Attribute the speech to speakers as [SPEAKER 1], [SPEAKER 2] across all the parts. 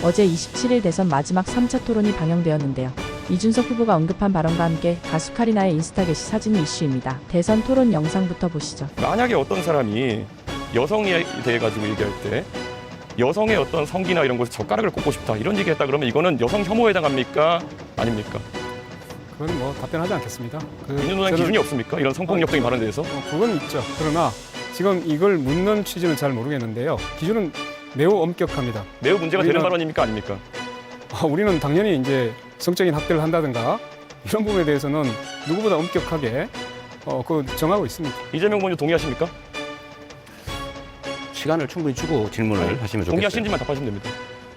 [SPEAKER 1] 어제 27일 대선 마지막 3차 토론이 방영되었는데요. 이준석 후보가 언급한 발언과 함께 가수 카리나의 인스타 게시 사진이 이슈입니다. 대선 토론 영상부터 보시죠.
[SPEAKER 2] 만약에 어떤 사람이 여성에 대해 가지고 얘기할 때 여성의 어떤 성기나 이런 곳에 젓가락을 꽂고 싶다 이런 얘기했다 그러면 이거는 여성 혐오에 해당합니까? 아닙니까?
[SPEAKER 3] 그건 뭐 답변하지 않겠습니다.
[SPEAKER 2] 민주노당 기준이 없습니까? 이런 성폭력적인 발언에 대해서?
[SPEAKER 3] 그건 있죠. 그러나 지금 이걸 묻는 취지는 잘 모르겠는데요. 기준은 매우 엄격합니다.
[SPEAKER 2] 매우 문제가 되는 발언입니까? 아닙니까?
[SPEAKER 3] 우리는 당연히 이제 성적인 학대를 한다든가 이런 부분에 대해서는 누구보다 엄격하게 정하고 있습니다.
[SPEAKER 2] 이재명 의원님 동의하십니까?
[SPEAKER 4] 시간을 충분히 주고 질문을 하시면 좋겠어요.
[SPEAKER 2] 동의하시는지만 답하시면 됩니다.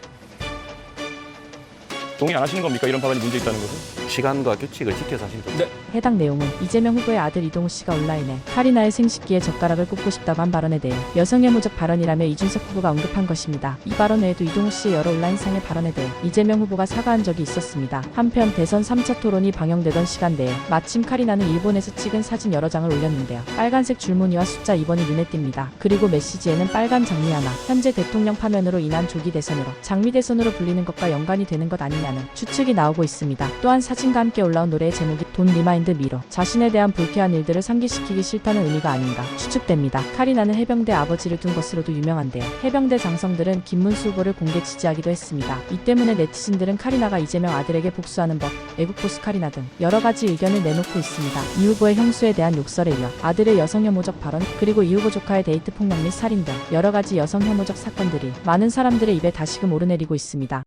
[SPEAKER 2] 동의 안 하시는 겁니까? 이런 발언이 문제 있다는 것은?
[SPEAKER 4] 시간과 규칙을 지켜서 하시면 좋겠어요.
[SPEAKER 1] 해당 내용은 이재명 후보의 아들 이동우 씨가 온라인에 카리나의 생식기에 젓가락을 꽂고 싶다고 한 발언에 대해 여성혐오적 발언이라며 이준석 후보가 언급한 것입니다. 이 발언 외에도 이동우 씨의 여러 온라인상의 발언에 대해 이재명 후보가 사과한 적이 있었습니다. 한편 대선 3차 토론이 방영되던 시간대에 마침 카리나는 일본에서 찍은 사진 여러 장을 올렸는데요. 빨간색 줄무늬와 숫자 2번이 눈에 띕니다. 그리고 메시지에는 빨간 장미 하나, 현재 대통령 파면으로 인한 조기 대선으로 장미 대선으로 불리는 것과 연관이 되는 것 아니냐는 추측이 나오고 있습니다. 또한 사진과 함께 올라온 노래의 제목이 돈 리마인드 미로, 자신에 대한 불쾌한 일들을 상기시키기 싫다는 의미가 아닌가 추측됩니다. 카리나는 해병대 아버지를 둔 것으로도 유명한데요. 해병대 장성들은 김문수 후보를 공개 지지하기도 했습니다. 이 때문에 네티즌들은 카리나가 이재명 아들에게 복수하는 법, 애국보수 카리나 등 여러 가지 의견을 내놓고 있습니다. 이 후보의 형수에 대한 욕설에 이어 아들의 여성혐오적 발언, 그리고 이 후보 조카의 데이트 폭력 및 살인 등 여러 가지 여성혐오적 사건들이 많은 사람들의 입에 다시금 오르내리고 있습니다.